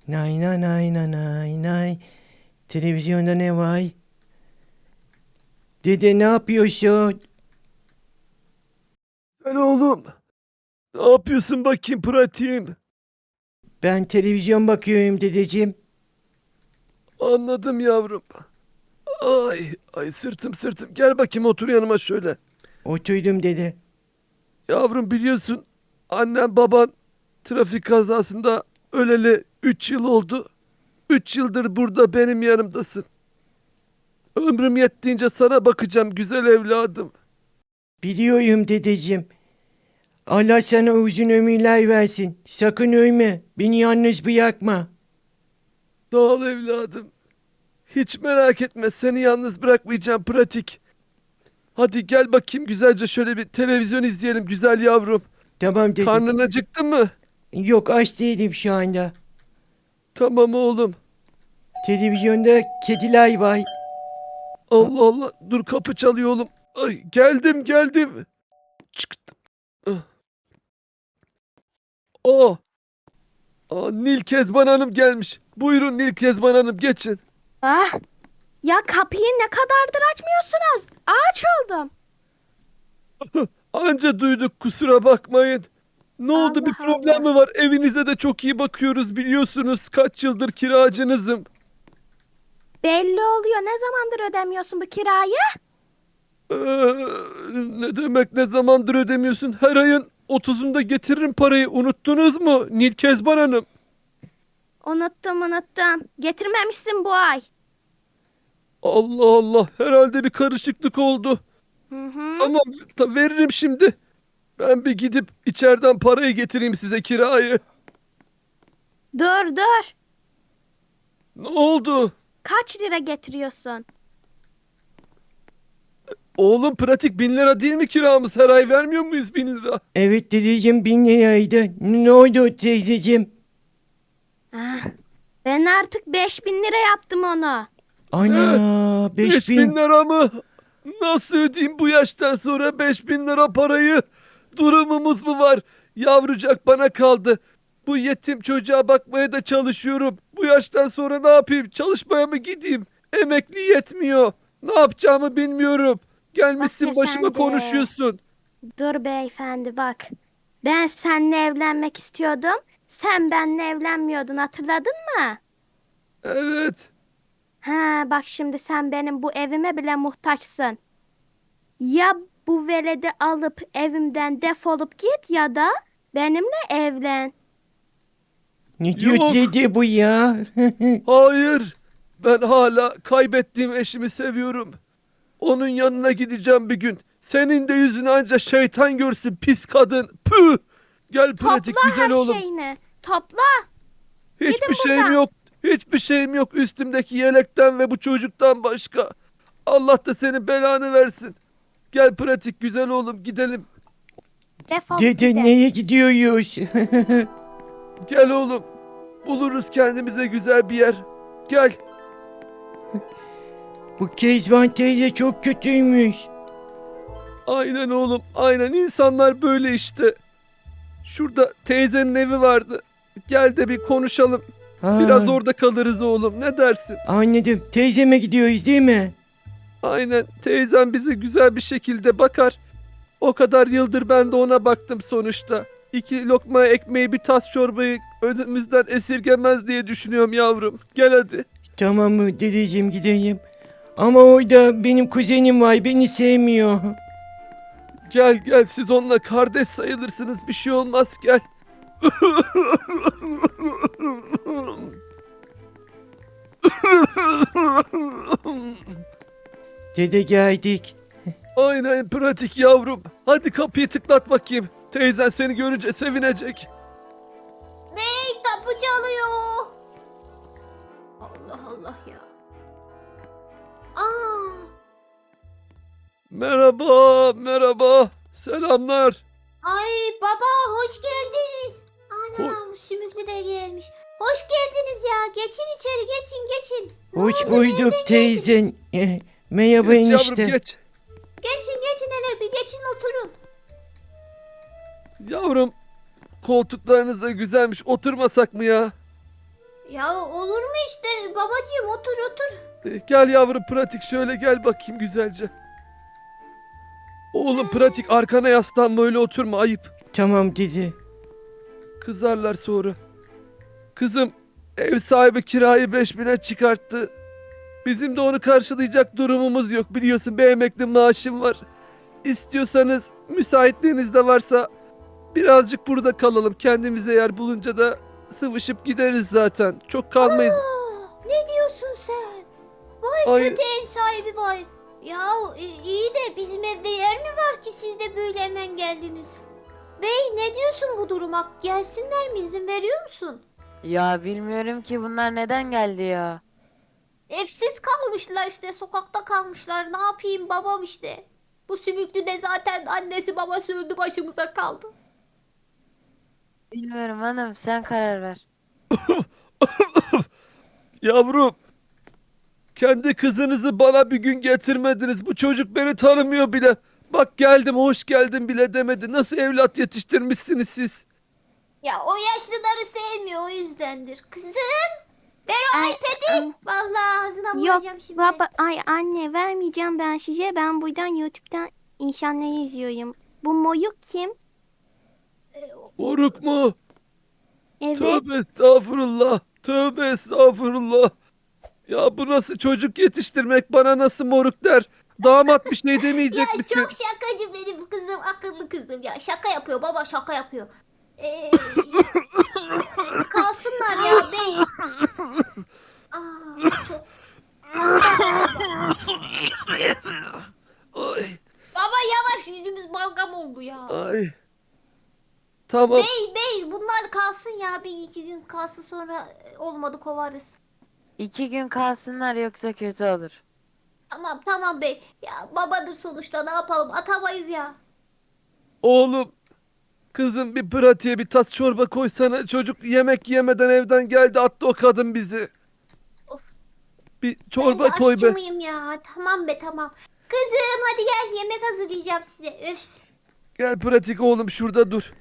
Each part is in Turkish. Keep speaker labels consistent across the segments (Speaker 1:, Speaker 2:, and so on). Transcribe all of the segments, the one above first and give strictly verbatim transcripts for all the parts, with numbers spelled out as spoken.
Speaker 1: Nay nay nay nay nay nay. Televizyonda ne var? Dede ne yapıyorsun?
Speaker 2: Sen oğlum ne yapıyorsun bakayım pratiğim?
Speaker 1: Ben televizyon bakıyorum dedeciğim.
Speaker 2: Anladım yavrum. Ay ay sırtım sırtım. Gel bakayım otur yanıma şöyle.
Speaker 1: Oturdum dede.
Speaker 2: Yavrum biliyorsun annem baban trafik kazasında öleli üç yıl oldu. Üç yıldır burada benim yanımdasın. Ömrüm yettiğince sana bakacağım güzel evladım.
Speaker 1: Biliyorum dedeciğim. Allah sana uzun ömürler versin. Sakın ölme. Beni yalnız bırakma.
Speaker 2: Sağ ol evladım. Hiç merak etme seni yalnız bırakmayacağım pratik. Hadi gel bakayım güzelce şöyle bir televizyon izleyelim güzel yavrum.
Speaker 1: Tamam dedim.
Speaker 2: Karnın acıktı mı?
Speaker 1: Yok aç değilim şu anda.
Speaker 2: Tamam oğlum.
Speaker 1: Televizyonda kediler var.
Speaker 2: Allah Allah. Dur kapı çalıyor oğlum. Ay geldim geldim. Çıktım. Ah. Aa. Aa, Nil Kezban Hanım gelmiş. Buyurun Nil Kezban Hanım geçin.
Speaker 3: Ah, ya kapıyı ne kadardır açmıyorsunuz? Ağaç oldum.
Speaker 2: Anca duyduk kusura bakmayın. Ne oldu bir
Speaker 3: Allah
Speaker 2: problem mi var? Evinize de çok iyi bakıyoruz biliyorsunuz. Kaç yıldır kiracınızım.
Speaker 3: Belli oluyor. Ne zamandır ödemiyorsun bu kirayı?
Speaker 2: Ee, ne demek ne zamandır ödemiyorsun? Her ayın otuzunda getiririm parayı. Unuttunuz mu Nil Kezban Hanım?
Speaker 3: Unuttum unuttum. Getirmemişsin bu ay.
Speaker 2: Allah Allah herhalde bir karışıklık oldu.
Speaker 3: Hı hı.
Speaker 2: Tamam ta veririm şimdi. Ben bir gidip içeriden parayı getireyim size kirayı.
Speaker 3: Dur dur.
Speaker 2: Ne oldu?
Speaker 3: Kaç lira getiriyorsun?
Speaker 2: Oğlum pratik bin lira değil mi kiramız? Her ay vermiyor muyuz bin lira?
Speaker 1: Evet dedeciğim bin liraydı. Ne oldu teyzeciğim?
Speaker 3: Ah, ben artık beş bin lira yaptım onu.
Speaker 1: Ana beş
Speaker 2: Beş bin
Speaker 1: bin.
Speaker 2: lira mı? Nasıl ödeyeyim bu yaştan sonra beş bin lira parayı? Durumumuz mu var? Yavrucak bana kaldı. Bu yetim çocuğa bakmaya da çalışıyorum. Bu yaştan sonra ne yapayım? Çalışmaya mı gideyim? Emekli yetmiyor. Ne yapacağımı bilmiyorum. Gelmişsin
Speaker 3: Bak
Speaker 2: başıma
Speaker 3: efendi.
Speaker 2: konuşuyorsun.
Speaker 3: Dur beyefendi bak. Ben seninle evlenmek istiyordum. Sen benimle evlenmiyordun hatırladın mı?
Speaker 2: Evet.
Speaker 3: Ha bak şimdi sen benim bu evime bile muhtaçsın. Ya bu veledi alıp evimden defolup git ya da benimle evlen.
Speaker 1: Ne diyor
Speaker 2: Yok.
Speaker 1: dede bu ya?
Speaker 2: Hayır. Ben hala kaybettiğim eşimi seviyorum. Onun yanına gideceğim bir gün. Senin de yüzünü anca şeytan görsün pis kadın. Püh! Gel pratik
Speaker 3: Topla
Speaker 2: güzel
Speaker 3: her
Speaker 2: oğlum.
Speaker 3: şeyini. Topla.
Speaker 2: Hiçbir
Speaker 3: Gidin
Speaker 2: şeyim
Speaker 3: buradan.
Speaker 2: yok. Hiçbir şeyim yok üstümdeki yelekten ve bu çocuktan başka. Allah da senin belanı versin. Gel pratik güzel oğlum gidelim.
Speaker 3: Defol
Speaker 1: Dede
Speaker 3: gidin.
Speaker 1: neye gidiyoruz?
Speaker 2: Gel oğlum. Buluruz kendimize güzel bir yer. Gel.
Speaker 1: Bu Kezban teyze çok kötüymüş.
Speaker 2: Aynen oğlum. Aynen insanlar böyle işte. Şurada teyzenin evi vardı. Gel de bir konuşalım.
Speaker 1: Ha,
Speaker 2: Biraz orada kalırız oğlum. Ne dersin?
Speaker 1: anladım. Teyzeme gidiyoruz değil mi?
Speaker 2: Aynen. Teyzem bize güzel bir şekilde bakar. O kadar yıldır ben de ona baktım sonuçta. İki lokma ekmeği bir tas çorbayı önümüzden esirgemez diye düşünüyorum yavrum. Gel hadi.
Speaker 1: Tamam mı dedeciğim gidelim. Ama orada benim kuzenim var beni sevmiyor.
Speaker 2: Gel gel siz onunla kardeş sayılırsınız. Bir şey olmaz gel.
Speaker 1: Dede geldik.
Speaker 2: Aynen pratik yavrum. Hadi kapıyı tıklat bakayım. Teyzen seni görünce sevinecek.
Speaker 4: Bey kapı çalıyor. Allah Allah ya. Aa,
Speaker 2: Merhaba, merhaba. Selamlar.
Speaker 4: ay baba hoş geldiniz. Anam sümüklü de gelmiş. Hoş geldiniz ya. Geçin içeri geçin geçin. Ne
Speaker 1: Hoş
Speaker 4: oldu,
Speaker 1: bulduk
Speaker 4: nereden
Speaker 1: teyzen. Eh, Merhaba
Speaker 2: Geç
Speaker 1: enişte.
Speaker 2: yavrum geç.
Speaker 4: Geçin geçin hele bir geçin oturun.
Speaker 2: Yavrum koltuklarınız da güzelmiş. Oturmasak mı ya?
Speaker 4: Ya olur mu işte babacığım, otur otur.
Speaker 2: E, Gel yavrum pratik, şöyle gel bakayım güzelce. Oğlum pratik, arkana yaslanma, öyle oturma, ayıp.
Speaker 1: Tamam dede.
Speaker 2: Kızarlar sonra. Kızım, ev sahibi kirayı beş bine çıkarttı. Bizim de onu karşılayacak durumumuz yok, biliyorsun bir emekli maaşım var. İstiyorsanız, müsaitliğiniz de varsa birazcık burada kalalım. Kendimize yer bulunca da sıvışıp gideriz zaten. Çok kalmayız.
Speaker 4: Aa, ne diyorsun sen? Vay
Speaker 2: Ay,
Speaker 4: kötü ev sahibi vay. Ya i- iyi de bizim evde yer mi var ki siz de böyle hemen geldiniz? Bey ne diyorsun bu duruma? Gelsinler mi, izin veriyor musun?
Speaker 5: Ya bilmiyorum ki bunlar neden geldi ya.
Speaker 4: Evsiz kalmışlar işte, sokakta kalmışlar. Ne yapayım babam işte. Bu sümüklü de zaten annesi babası öldü, başımıza kaldı.
Speaker 5: Bilmiyorum hanım, sen karar ver.
Speaker 2: yavrum. Kendi kızınızı bana bir gün getirmediniz. Bu çocuk beni tanımıyor bile. Bak geldim, hoş geldin bile demedi. Nasıl evlat yetiştirmişsiniz siz?
Speaker 4: Ya o yaşlıları sevmiyor, o yüzdendir. Kızım. Ver o
Speaker 3: Ay,
Speaker 4: iPad'i. Vallahi ağzına
Speaker 3: Yok
Speaker 4: vuracağım şimdi.
Speaker 3: baba, ay anne vermeyeceğim ben size. Ben buradan YouTube'dan insanları izliyorum. Bu Moyuk kim?
Speaker 4: Ee, o-
Speaker 2: Moruk mu?
Speaker 3: Evet.
Speaker 2: Tövbe estağfurullah. Tövbe estağfurullah. Ya bu nasıl çocuk yetiştirmek, bana nasıl moruk der. Damat bir şey
Speaker 4: Ya
Speaker 2: demeyecek misin?
Speaker 4: çok şakacı benim kızım, akıllı kızım ya. Şaka yapıyor baba, şaka yapıyor. Ee, kalsınlar ya bey. Aa, çok.
Speaker 2: Ay,
Speaker 4: Baba yavaş, yüzümüz balgam oldu ya.
Speaker 2: ay. Tamam.
Speaker 4: Bey bey bunlar kalsın ya, bir iki gün kalsın, sonra e, olmadı kovarız.
Speaker 5: İki gün kalsınlar yoksa kötü olur.
Speaker 4: Tamam tamam bey. Ya babadır sonuçta, ne yapalım, atamayız ya.
Speaker 2: Oğlum, kızım bir pratiğe bir tas çorba koysana. Çocuk yemek yemeden evden geldi, attı o kadın bizi.
Speaker 4: Of.
Speaker 2: Bir
Speaker 4: Ben
Speaker 2: çorba
Speaker 4: de
Speaker 2: koy
Speaker 4: aşçı
Speaker 2: be.
Speaker 4: mıyım ya? Tamam be tamam. Kızım hadi gel, yemek hazırlayacağım size. Öf.
Speaker 2: Gel pratik oğlum, şurada dur.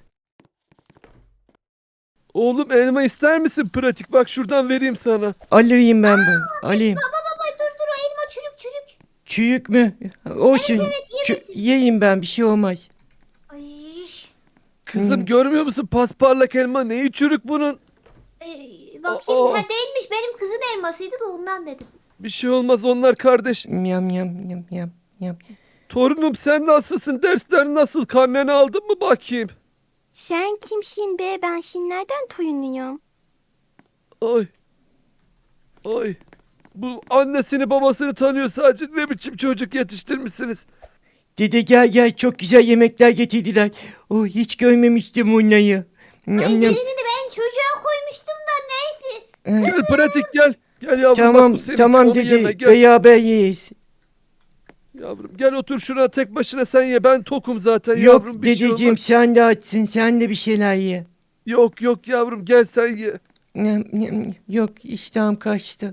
Speaker 2: Oğlum elma ister misin pratik? Bak şuradan vereyim sana.
Speaker 1: Alırım ben bunu. Alayım.
Speaker 4: Baba baba dur dur, o elma çürük çürük.
Speaker 1: Çürük mü? Olsun.
Speaker 4: Evet
Speaker 1: Çü-
Speaker 4: yemesin.
Speaker 1: yiyeyim ben, bir şey olmaz.
Speaker 4: Ay.
Speaker 2: Kızım
Speaker 1: Hı.
Speaker 2: görmüyor musun pasparlak elma? Neyi çürük bunun?
Speaker 4: Ee, bakayım,
Speaker 2: Aa.
Speaker 4: ha değilmiş, benim kızın elmasıydı da ondan dedim.
Speaker 2: Bir şey olmaz, onlar kardeş.
Speaker 1: Yam yam yam yam yam.
Speaker 2: Torunum sen nasılsın? Dersler nasıl? Karneni aldın mı bakayım?
Speaker 3: Sen kimsin be? Ben şimdi nereden toyunluyorum?
Speaker 2: Ay. Ay. Bu annesini babasını tanıyor sadece. Ne biçim çocuk yetiştirmişsiniz?
Speaker 1: Dede gel gel, çok güzel yemekler getirdiler. Oh, hiç görmemiştim onları.
Speaker 4: Ay
Speaker 1: Yam yam.
Speaker 4: birini de ben çocuğa koymuştum da neyse.
Speaker 1: Eh,
Speaker 2: Gel pratik gel. Gel yavrum, bak
Speaker 1: Tamam
Speaker 2: bu seninki,
Speaker 1: tamam
Speaker 2: onu yeme,
Speaker 1: dede,
Speaker 2: gel.
Speaker 1: beraber yiyiz.
Speaker 2: Yavrum gel otur şuna, tek başına sen ye, ben tokum zaten
Speaker 1: Yok
Speaker 2: yavrum, bir şey
Speaker 1: dedeciğim,
Speaker 2: olmaz.
Speaker 1: sen de açsın, sen de bir şeyler ye.
Speaker 2: Yok yok yavrum, gel sen ye.
Speaker 1: Yam, yam, yok, iştahım kaçtı.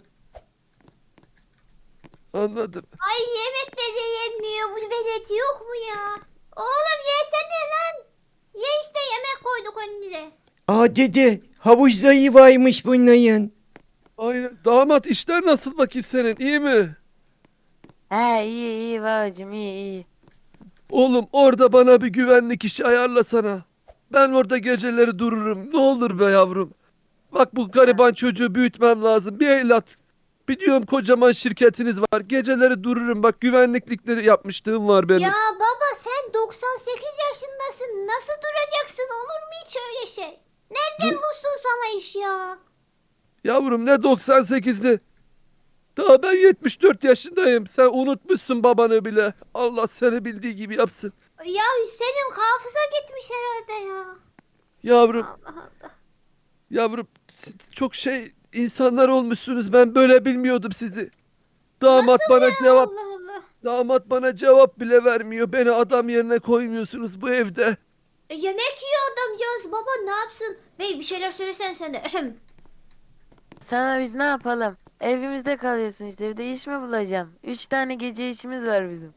Speaker 2: Anladım.
Speaker 4: Ay yemek de yemiyor bu velet, yok mu ya? Oğlum yesene lan. Ye işte, yemek koyduk önünüze.
Speaker 1: Aa dede, havuzda iyi varmış bunların.
Speaker 2: Aynen. Damat, işler nasıl bakayım senin, iyi mi?
Speaker 5: He iyi iyi babacım, iyi iyi.
Speaker 2: Oğlum orada bana bir güvenlik işi ayarlasana. Ben orada geceleri dururum. Ne olur be yavrum. Bak bu gariban çocuğu büyütmem lazım. Bir evlat. Biliyorum kocaman şirketiniz var. Geceleri dururum. Bak güvenliklikleri yapmışlığım var benim.
Speaker 4: Ya baba sen doksan sekiz yaşındasın. Nasıl duracaksın? Olur mu hiç öyle şey? Nereden bulsun sana iş ya?
Speaker 2: Yavrum ne doksan sekizi. Daha ben yetmiş dört yaşındayım. Sen unutmuşsun babanı bile. Allah seni bildiği gibi yapsın.
Speaker 4: Ya senin hafıza gitmiş herhalde ya.
Speaker 2: Yavrum,
Speaker 4: Allah Allah.
Speaker 2: yavrum siz çok şey insanlar olmuşsunuz. Ben böyle bilmiyordum sizi. Damat bana cevap
Speaker 4: Allah Allah.
Speaker 2: Damat bana cevap bile vermiyor. Beni adam yerine koymuyorsunuz bu evde.
Speaker 4: E, yemek yiyor adamcağız. Baba ne yapsın? Bey bir şeyler söylesen sen de. Ahem.
Speaker 5: Sana biz ne yapalım? Evimizde kalıyorsun işte, bir de iş mi bulacağım? Üç tane gece işimiz var bizim.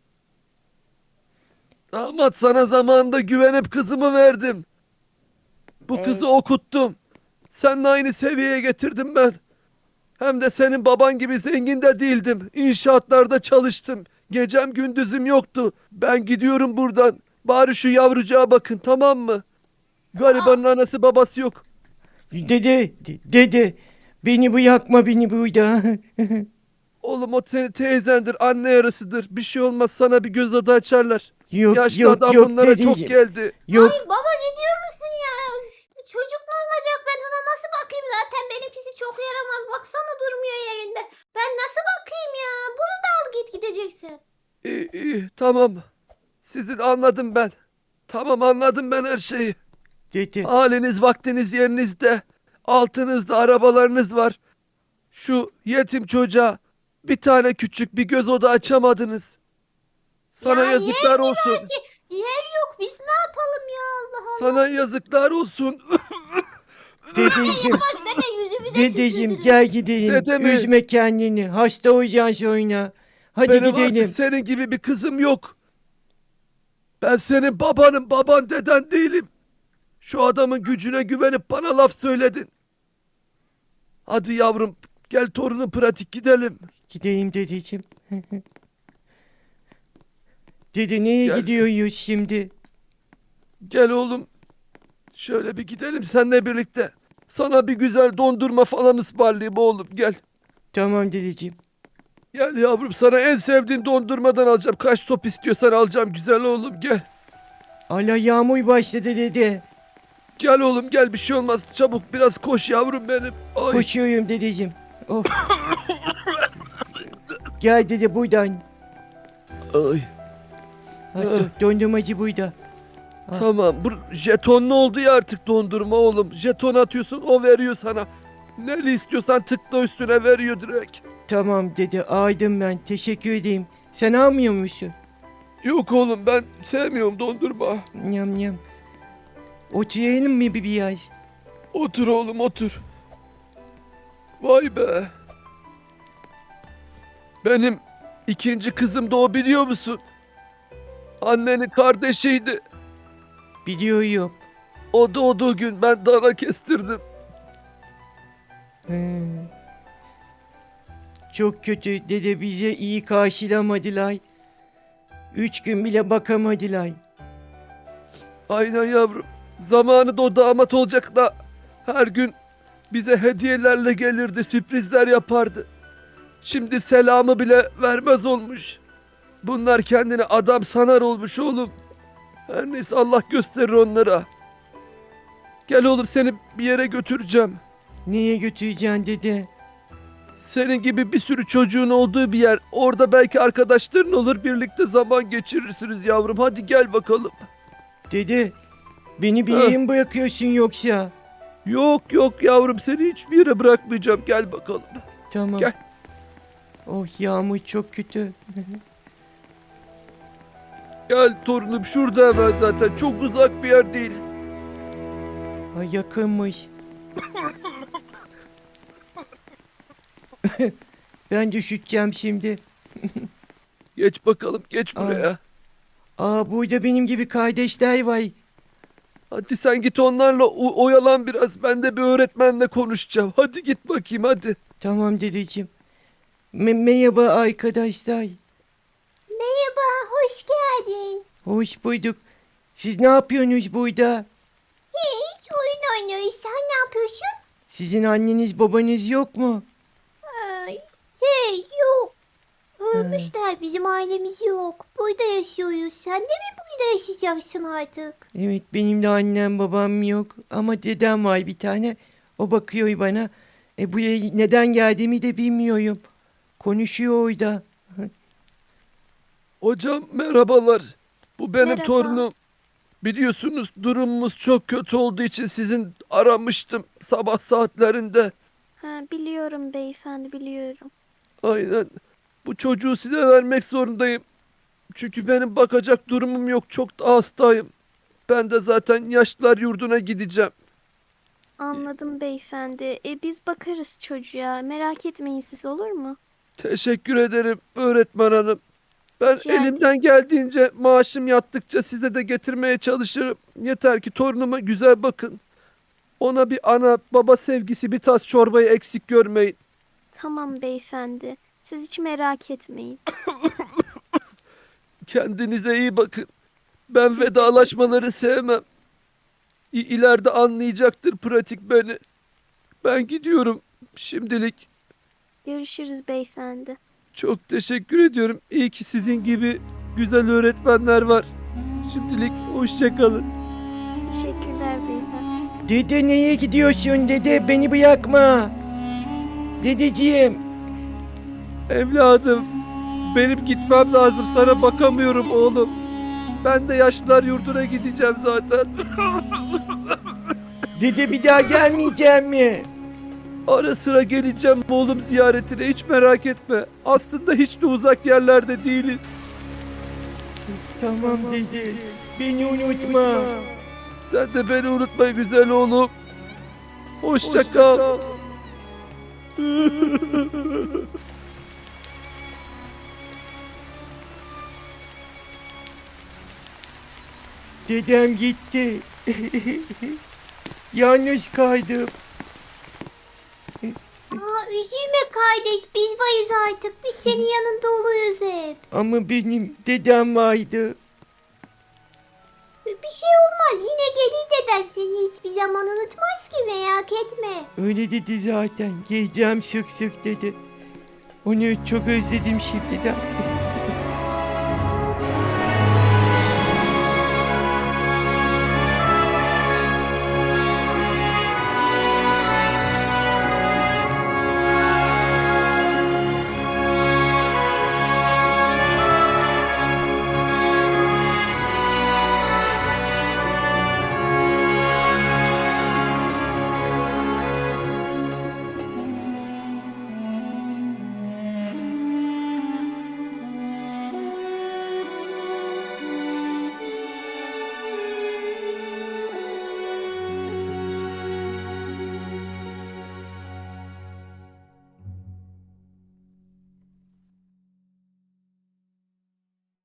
Speaker 2: Damat, sana zamanında güvenip kızımı verdim. Bu
Speaker 5: Evet.
Speaker 2: kızı okuttum. Seninle aynı seviyeye getirdim ben. Hem de senin baban gibi zengin de değildim. İnşaatlarda çalıştım. Gecem gündüzüm yoktu. Ben gidiyorum buradan. Bari şu yavrucağa bakın, tamam mı? Garibanın anası babası yok.
Speaker 1: Dede, de- dede, beni bırakma beni burada.
Speaker 2: Oğlum o senin teyzendir, anne yarısıdır. Bir şey olmaz, sana bir göz adı açarlar.
Speaker 1: Yok
Speaker 2: Yaşlı
Speaker 1: yok
Speaker 2: adam
Speaker 1: yok
Speaker 2: bunlara çok
Speaker 1: dedeciğim.
Speaker 2: geldi.
Speaker 1: Yok
Speaker 4: Ay baba ne diyor musun ya? Üf, bu çocuk ne olacak? Ben ona nasıl bakayım? Zaten benimkisi çok yaramaz. Baksana durmuyor yerinde. Ben nasıl bakayım ya? Bunu da al git gideceksin.
Speaker 2: İyi iyi tamam. Sizin anladım ben. Tamam anladım ben her şeyi.
Speaker 1: dede.
Speaker 2: Haliniz vaktiniz yerinizde. Altınızda arabalarınız var. Şu yetim çocuğa bir tane küçük bir göz oda açamadınız. Sana
Speaker 4: Ya
Speaker 2: yazıklar
Speaker 4: yer mi
Speaker 2: olsun.
Speaker 4: var ki? Yer yok. Biz ne yapalım ya Allah Allah.
Speaker 2: Sana yazıklar olsun.
Speaker 1: Dedeciğim,
Speaker 4: Bak deme yüzümüze
Speaker 1: dedeciğim
Speaker 4: tükürdünüz.
Speaker 1: gel gidelim.
Speaker 2: Dede mi?
Speaker 1: Üzme kendini. Hasta olacaksın sonra. Hadi
Speaker 2: Benim
Speaker 1: gidelim.
Speaker 2: artık senin gibi bir kızım yok. Ben senin babanım, baban deden değilim. Şu adamın gücüne güvenip bana laf söyledin. Hadi yavrum, gel torunum pratik gidelim.
Speaker 1: Gidelim dedeciğim. Dede neye
Speaker 2: Gel.
Speaker 1: gidiyoruz şimdi?
Speaker 2: Gel oğlum. Şöyle bir gidelim seninle birlikte. Sana bir güzel dondurma falan ısmarlayayım oğlum, gel.
Speaker 1: Tamam dedeciğim.
Speaker 2: Gel yavrum, sana en sevdiğim dondurmadan alacağım. Kaç top istiyorsan alacağım, güzel oğlum, gel.
Speaker 1: Allah yağmur başladı dede.
Speaker 2: Gel oğlum gel, bir şey olmaz. Çabuk biraz koş yavrum benim. Ay.
Speaker 1: Koşuyorum dedeciğim. Oh. Gel dede buradan.
Speaker 2: Ay.
Speaker 1: Hatta dondurmacı burada. Ah.
Speaker 2: Tamam. Bu jetonlu oldu ya artık dondurma oğlum. Jeton atıyorsun, o veriyor sana. Neli istiyorsan tıkla üstüne, veriyor direkt.
Speaker 1: Tamam dede aldım ben. Teşekkür edeyim. Sen almıyor musun?
Speaker 2: Yok oğlum, ben sevmiyorum dondurma.
Speaker 1: Nyam nyam. Oturalım mı bir biraz?
Speaker 2: Otur oğlum otur. Vay be. Benim ikinci kızım da o, biliyor musun? Annenin kardeşiydi.
Speaker 1: Biliyorum.
Speaker 2: O doğduğu gün ben dana kestirdim.
Speaker 1: He. Çok kötü dede, bize iyi karşılamadılar. Üç gün bile bakamadılar.
Speaker 2: Aynen yavrum. Zamanı da o damat olacak da her gün bize hediyelerle gelirdi, sürprizler yapardı. Şimdi selamı bile vermez olmuş. Bunlar kendini adam sanar olmuş oğlum. Her neyse, Allah gösterir onlara. Gel oğlum, seni bir yere götüreceğim.
Speaker 1: Neye götüreceksin dede?
Speaker 2: Senin gibi bir sürü çocuğun olduğu bir yer. Orada belki arkadaşların olur, birlikte zaman geçirirsiniz yavrum. Hadi gel bakalım.
Speaker 1: Dede, beni bir
Speaker 2: Ha.
Speaker 1: yere mi bırakıyorsun yoksa?
Speaker 2: Yok yok yavrum, seni hiçbir yere bırakmayacağım. Gel bakalım.
Speaker 1: Tamam.
Speaker 2: Gel.
Speaker 1: Oh yağmur çok kötü.
Speaker 2: Gel torunum, şurada hemen zaten. Çok uzak bir yer değil.
Speaker 1: Ay yakınmış. Ben düşeceğim şimdi.
Speaker 2: Geç bakalım, geç
Speaker 1: Aa.
Speaker 2: buraya.
Speaker 1: Aa, burada benim gibi kardeşler var.
Speaker 2: Hadi sen git onlarla o- oyalan biraz. Ben de bir öğretmenle konuşacağım. Hadi git bakayım hadi.
Speaker 1: Tamam dedeciğim. Me- merhaba arkadaşlar.
Speaker 4: Merhaba, hoş geldin.
Speaker 1: Hoş bulduk. Siz ne yapıyorsunuz burada?
Speaker 4: Hiç oyun oynuyoruz. Sen ne yapıyorsun?
Speaker 1: Sizin anneniz babanız yok mu?
Speaker 4: Ay, hey yok. Ölmüşler, bizim ailemiz yok. Burada yaşıyoruz. Sen de mi burada yaşayacaksın artık?
Speaker 1: Evet, benim de annem babam yok. Ama dedem var bir tane. O bakıyor bana. E buraya neden geldiğimi de bilmiyorum. Konuşuyor orada.
Speaker 2: Hocam merhabalar. Bu benim
Speaker 3: Merhaba.
Speaker 2: torunum. Biliyorsunuz durumumuz çok kötü olduğu için sizin aramıştım sabah saatlerinde.
Speaker 3: Ha, biliyorum beyefendi, biliyorum.
Speaker 2: Aynen. Bu çocuğu size vermek zorundayım. Çünkü benim bakacak durumum yok. Çok da hastayım. Ben de zaten yaşlılar yurduna gideceğim.
Speaker 3: Anladım beyefendi. E, biz bakarız çocuğa. Merak etmeyin siz, olur mu?
Speaker 2: Teşekkür ederim öğretmen hanım. Ben
Speaker 3: Rica ederim.
Speaker 2: elimden geldiğince maaşım yattıkça size de getirmeye çalışırım. Yeter ki torunuma güzel bakın. Ona bir ana baba sevgisi, bir tas çorbayı eksik görmeyin.
Speaker 3: Tamam beyefendi. Siz hiç merak etmeyin.
Speaker 2: Kendinize iyi bakın. Ben
Speaker 3: Siz de-
Speaker 2: vedalaşmaları sevmem. İ- İleride anlayacaktır pratik beni. Ben gidiyorum şimdilik.
Speaker 3: Görüşürüz beyefendi.
Speaker 2: Çok teşekkür ediyorum. İyi ki sizin gibi güzel öğretmenler var. Şimdilik hoşça kalın.
Speaker 3: Teşekkürler beyefendi.
Speaker 1: Dede neye gidiyorsun dede? Beni bırakma. Dedeciğim.
Speaker 2: Evladım, benim gitmem lazım. Sana bakamıyorum oğlum. Ben de yaşlılar yurduna gideceğim zaten.
Speaker 1: Dede bir daha gelmeyeceğim mi?
Speaker 2: Ara sıra geleceğim oğlum ziyaretine, hiç merak etme. Aslında hiç de uzak yerlerde değiliz.
Speaker 1: Tamam dede. Beni unutma.
Speaker 2: Sen de beni unutma güzel oğlum. Hoşça kal.
Speaker 1: Dedem gitti. Yalnız kaldım.
Speaker 4: Aa, üzülme kardeş, biz varız artık. Biz senin yanında oluruz hep.
Speaker 1: Ama benim dedem vardı.
Speaker 4: Bir şey olmaz, yine gelir deden, seni hiçbir zaman unutmaz ki, merak etme.
Speaker 1: Öyle dedi zaten. Geleceğim sık sık dedi. Onu çok özledim şimdiden.